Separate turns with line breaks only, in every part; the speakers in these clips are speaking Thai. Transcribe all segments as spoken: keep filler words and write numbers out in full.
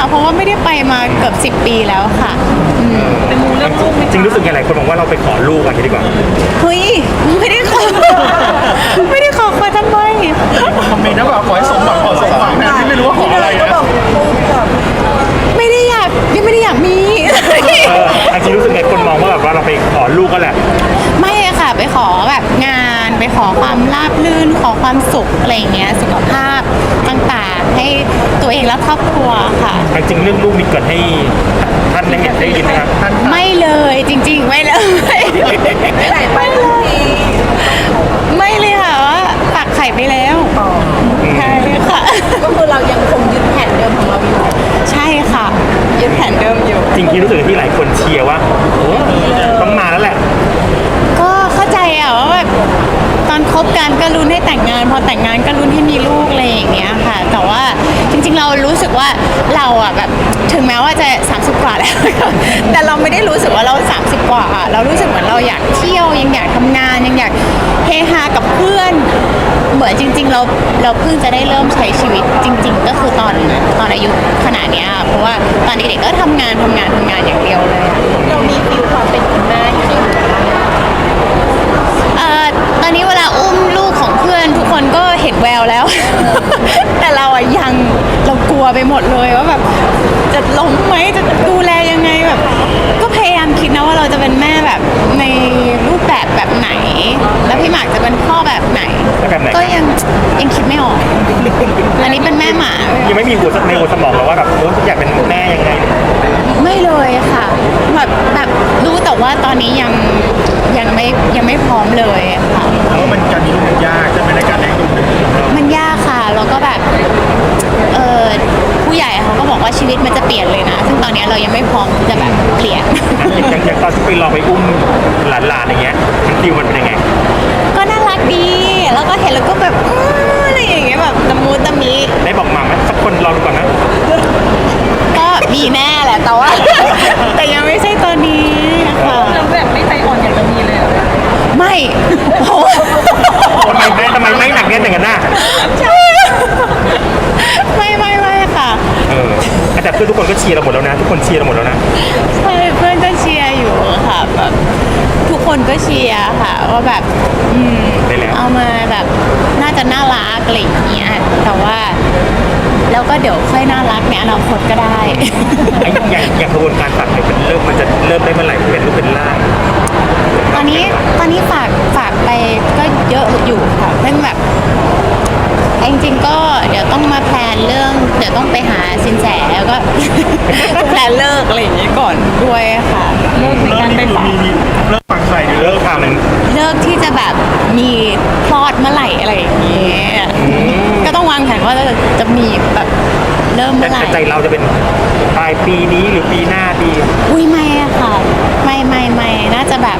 เพราะว่าไม่ได้ไปมาเกือบสิบปีแล้วค่ะ
เป็นมูเรื่องลูกจริงรู้สึกไงหลายคนบอกว่าเราไปขอลูกอะไรดีกว่า
เฮ้ยไม่ได้ขอไม่ได้ขอขอทำไม
คอมเมนต์นะแบบขอให้สมหวังขอสมหวังนะที่ไม่รู้ว่าขออะไรนะ
ไม่ได้อยากยังไม่ได้อยากมี
จริงรู้สึกไงคนมองว่าแบบว่าเราไปขอลูกก็แหละ
ไม่ค่ะไปขอแบบงานไปขอความราบรื่นขอความสุขอะไรเงี้ยสุขภาพต่างๆให้ตัวเองและครอบครัวค่ะ
จริงเรื่องลูกมีเกิดให้ท่านได้เห็นได้ยินไหมครับ
ไม่เลยจริงๆไม่เลยไม่เลยไม่เลยค่ะว่าตักไข่ไปแล้วใช่ค่ะ
ก็คือเรายังคงยึดแผนเดิมของเราอยู่
ใช่ค่ะยึดแผนเดิมอยู่
จริงที่รู้สึกที่หลายคนเชียร์ว่าโอ้ต้องมาแล้วแหละ
ก็เข้าใจอะว่าแบบตอนคบกันก็ลุ้นให้แต่งงานพอแต่งงานก็ลุ้นให้มีลูกอะไรอย่างเงี้ยค่ะแต่ว่าจริงๆเรารู้สึกว่าเราอะแบบถึงแม้ว่าจะสามสิบกว่าแล้วแต่เราไม่ได้รู้สึกว่าเราสามสิบกว่าเรารู้สึกเหมือนเราอยากเที่ยวยังอยากทำงานยังอยากเฮฮากับเพื่อนเหมือนจริงๆเราเราเพิ่งจะได้เริ่มใช้ชีวิตจริงๆก็คือตอนตอนอายุขนาดนี้เพราะว่าตอนเด็กๆก็ทำงานทำงานทำงานอย่างเดียวเลย
เรามีฟิลความเป็นคุณแม่อยู่ในหัว
เอ่อตอนนี้เวลาอุ้มลูกของเพื่อนทุกคนก็เห็นแววแล้ว แต่เราอะยังเรากลัวไปหมดเลยว่าแบบจะล้มไหมจะดูแลยังไงแบบก็พยายามคิดนะว่าเราจะเป็นแม่แบบในรูปแบบแบบไหนแล้วพี่หมากจะเป็นพ่อแบบไหนก็ยังยังคิดไม่ออกอันนี้เป็นแม่หมา
ยังไม่มีหัวในหัวสมองหรอว่าแบบโอ้อยากเป็นแม่ยังไง
ไม่เลยค่ะแบบแบบรู้แต่ว่าตอนนี้ยังยังไม่ยังไม่พร้อมเลยค่ะ
เพราะมันการมีลูกมันยากใช่ไหมในการเลี้ยงลูก
มันยากค่ะแล้วก็แบบเออผู้ใหญ่เขาก็บอกว่าชีวิตมันจะเปลี่ยนเลยนะซึ่งตอนนี้เรายังไม่พร้อมจะแบบเปลี่ยน
อย่างอย่างตอนที่ไปลองไปอุ้มหลานๆอย่างเงี้ยฟิลมันเป็นยังไง
ก็น่ารักดีแล้วก็เห็นแล้วก็แบบอะไรอย่างเงี้ยแบบตะมูตะมี
ได้บอกมาไหมสักคนลองดูก่อนนะ
ก็มีแน่แหละแต่ว่าแต่ยังไม่ใช่ตอนนี้ค่ะ
เราแบบไม่ใจอ่อนอยากจะมีเลย
ไม่โอ้
ทำไมแม่ทำไมไม่หนักแน่นอย่างนั้นน่ะ
ใช่ไม่ไม่ไม่ค่ะ
เออแต่เพื่อนทุกคนก็เชียร์เราหมดแล้วนะทุกคนเชียร์เราหมดแล้วนะ
ใช่เพื่อนก็เชียร์อยู่ค่ะแบบทุกคนก็เชียร์ค่ะว่าแบบอืมเอามาแบบน่าจะน่ารักอะไรอย่างเงี้ยแต่ว่าแล้วก็เดี๋ยวค่อยน่ารักในอนาคตก็ได้
อย่างอย่างกระบวนการตัดเนี่ยมันเริ่มมันจะเริ่มได้เมื่อไหร่เป็นรูปเป็นร่าง
ตอนนี้ตอนนี้ฝากฝากไปก็เยอะอยู่ค่ะเพิ่งแบบจริงๆก็เดี๋ยวต้องมาแพลนเรื่องเดี๋ยวต้องไปหาสินแสแล้วก็แพลนเลิกอะไรอย่างนี้ก่อนด้วยค่ะเลิกในการไปฝาก
เลิกฝังใส่
เลิกค่ะมัน
เลิกที่จะแบบมีคลอดเมื่อไหร่อะไรอย่างเงี้ยก็ต้องวางแผนว่าจะจะมีแบบเริ่มเมื่อไหร่
ใจเราจะเป็นปลายปีนี้หรือปีหน้าดี
อุ้ยไม่อะค่ะไม่ไม่ไม่น่าจะแบบ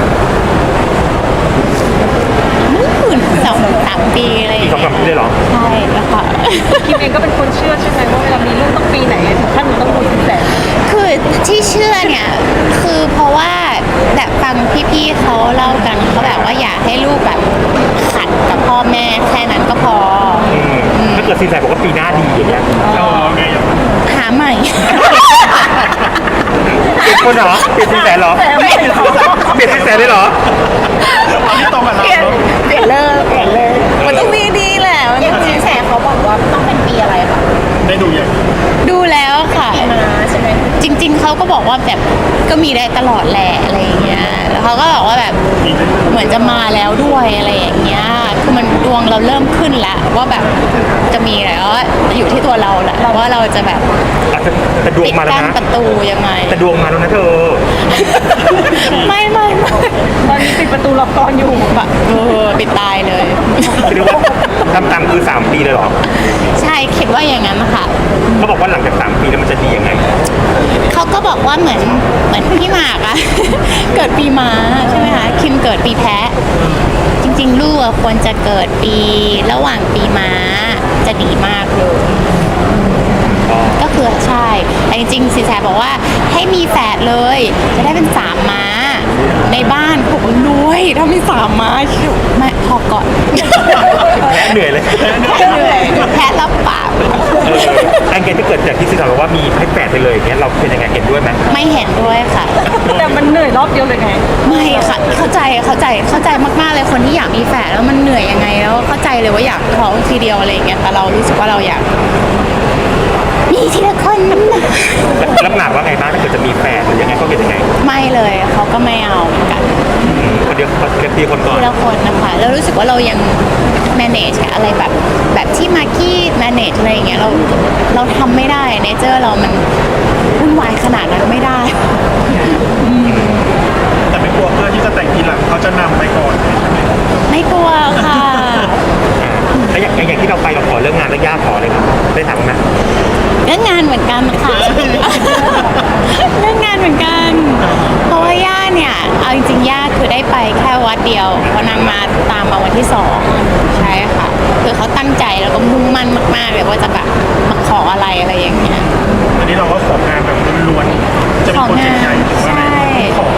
สองสามปีอะไรอย่างเงี้ย
สองสามปีเลยเหรอ
ใช่แล้วค่ะ
คิมเองก็เป็นคนเชื่อใช่ไหมว่าเวลามีลูกต้องปีไหนถึงขั้นต้องดูสินแส
คือที่เชื่อเนี่ยคือเพราะว่าแบบฟังพี่ๆเขาเล่ากันเขาแบบว่าอยากให้ลูกแบบขัดกับพ่อแม่แค่นั้นก็พอ
ถ้าเกิดสินแสบอกว่าปีหน้าดีอย่างเงี้ย
เราไง
หาใหม่
เปลี่ยนคนเหรอเปลี่ยนสินแสเหรอเปลี่ยนสินแสได้เหรอ
อันนี้ตรงกับเรา
เปลี่ยนเลิกเปลี่ยนเลิกมันต้องมีดีแหละมันต้อง
สินแสเขาบอกว่าต้องเป็นปีอะไรคะ
ได้ดูยัง
ดูแล้วค่ะ
ใช่ไหม
จริงๆเขาก็บอกว่าแบบก็มีได้ตลอดแหละอะไรอย่างเงี้ยแล้วเขาก็บอกว่าแบบเหมือนจะมาแล้วด้วยอะไรอย่างเงี้ยคือมันดวงเราเริ่มขึ้นแล้วว่าแบบจะมีแล้วอยู่ที่ตัวเราแหละว่าเราจะแบบ
แต่ดวงมาแล้วนะ
ประตูยังไง
แต่ดวงมาแล้วนะเธอ
ไม่ไม่ไม่
ตอนนี้ปิดประตูล็อกกอนอยู่
แบบเออปิดตายเลย
คือว่าทำตามคือสามปีเลยหรอ
ใช่คิดว่าอย่างนั้นค่ะ
เขาบอกว่าหลังจากสามปีแล้วมันจะดียังไง
เขาก็บอกว่าเหมือนเหมือนพี่หมากอะเกิดปีม้าใช่ไหมคะคิมเกิดปีแพะจริงๆลูกควรจะเกิดปีระหว่างปีม้าจะดีมากเลยก็คือใช่แต่จริงๆสินแสบอกว่าให้มีแฝดเลยจะได้เป็นสามม้าในบ้านผมรวยถ้ามีสามม้าชิวไม่พอก่อน
แพ้เหนื่อยเลย
เหนื่อยแพ้รับปาก
อันเกณฑ์ที่เกิดจากที่สินแสสาวบอกว่ามีให้แปดไปเลยอย่างเงี้ยเราเป็นยังไงเห็นด้วยไหม
ไม่เห็นด้วยค่ะ
แต่มันเหนื่อยรอบเดียวเลยไง
ไม่ค่ะเข้าใจเข้าใจเข้าใจมากๆเลยคนที่อยากมีแฝดแล้วมันเหนื่อยยังไงแล้วเข้าใจเลยว่าอยากท้องทีเดียวอะไรอย่างเงี้ยแต่เรารู้สึกว่าเราอยากมีทีละคนนะ
แล้วหมากว่าไงบ้างถ้าเกิดจะมีแฟนหรือยังไงเขาเป็นยังไง
ไม่เลยเขาก็ไม่เอาเหมือนกัน
คนเดียวคนเดียวคนก่อน
ทีละคนนะคะแล้วรู้สึกว่าเรายัง manage อะไรแบบแบบที่มากกี้ manage อะไรอย่างเงี้ยเราเราทำไม่ได้เนเจอร์เรามันวุ่นวายขนาดนั้นไม่ได้
แต่ไม่กลัวเพื่อนที่จะแต่งทีหลังเขาจะนำไปก่อน
ไม่กลัวค่ะ
แล้วอย่างอย่างที่เราไปเราขอเรื่องงานแล้วย่าขอเลยครับได้ทำไหม
เรื่องงานเหมือนกันค่ะ เรื่องงานเหมือนกัน เพราะว่าย่าเนี่ยเอาจริงๆย่าคือได้ไปแค่วัดเดียวเพราะนางมาตามมาวันที่สองใช่ค่ะคือเขาตั้งใจแล้วก็มุ่งมั่นมากๆเลยว่าจะแบบมาขออะไรอะไรอย่างเงี้ย
อันนี้เราก็ของานแบบล้วนๆจะมีโปรเจกต์ใหญ่หรือว่าอะไรขอ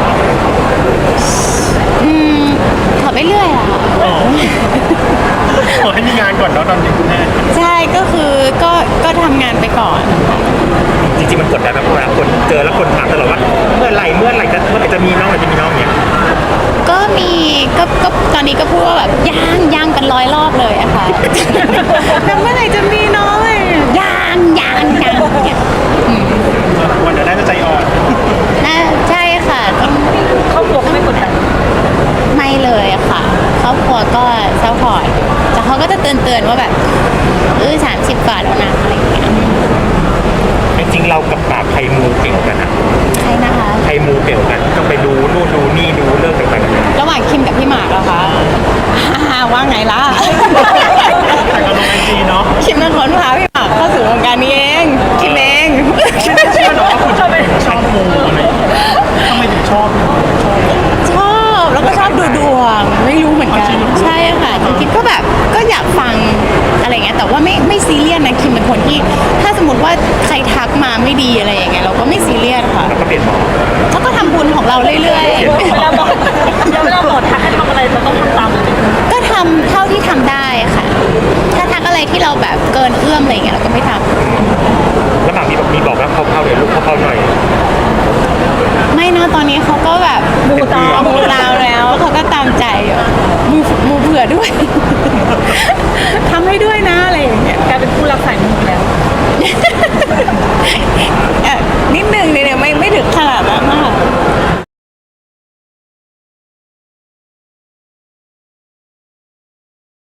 อืมขอไปเรื่อยอะค่ะ
ขอให้มีงานก่อนเนาะตอนนี้คุณแม่
ใช่ก็คือก็ก็ทำงานไปก่อนค่ะ
จริงๆมันกดดันไหมเพราะเวลาคนเจอแล้วคนถามตลอดว่าเมื่อไหร่เมื่อไหร่จะเมื่อไหร่จะมีน้องเมื่อไหร่จะมีน้องอย่างเงี้ย
ก็มีก็ก็ตอนนี้ก็พูดว่าแบบย่างย่างเป็นร้อยรอบเลยอะค่ะ แล้วเมื่อไหร่จะมีน้องเลยย่างย่างย่างเนี่ยอืม
วันเดี๋ยวได้จะใจอ่อน
น่าใช่ค่ะต้อง
ครอบครัวก็ไม่กดดัน
ไม่เลยอะค่ะครอบครัวก็ซัพพอร์ตแต่เขาก็จะเตือนเตือนๆว่าแบบเออสามสิบกว่าแล้วนะอะไรอย่างเงี้ย
จริงๆเรากับปากใครมูเก่งกันอะ
ใช่นะคะ
ใครมูเก่งกันต้องไปดูนู่นดูนี่ดูเรื่องต่างๆกันานา
ระหว่างคิมกับพี่หมากเหรอคะอ่าว่าไงล่ะ
แต่ก็ลงไอจีเนาะ
คิมเป็นคนพาพี่หมากเข้าสู่วงการนี้เองคิมเอง
ไม่เชื่อหรอกว่าคุณชอบชอบมูอะไรทำไมถึงชอบชอบ
ชอบแล้วก็ชอบดูดวงไม่รู้เหมือนกันใช่ค่ะจริงๆก็แบบก็อยากฟังอะไรเงี้ยแต่ว่าไม่ไม่ซีเรียสนะคิมเป็นคนที่ถ้าสมมติว่าใครทักมาไม่ดีอะไรอย่างเงี้ยเราก็ไม่ซีเรียสค่ะ
แล้วก็เปลี่ยนหมอ
เขาก็ทำบุญของเราเรื่อย
เวลาบอกเวลาบอกทักให้ทำอะไรเราต้องทำตามเลย
ๆ ก็ทำเท่าที่ทำได้ค่ะ ถ้าทักอะไรที่เราแบบเกินเอื้อมอะไรเงี้ยเราก็ไม่ทำ
แล้วหมากมีบอกมีบอกว่าเข้าๆเลยลูกเข้าๆหน่อย
ไม่นะตอนนี้เขาก็แบบ
มูตาม
มูตามแล้วเขาก็ตามใจอยู่มูมูเผื่อด้วย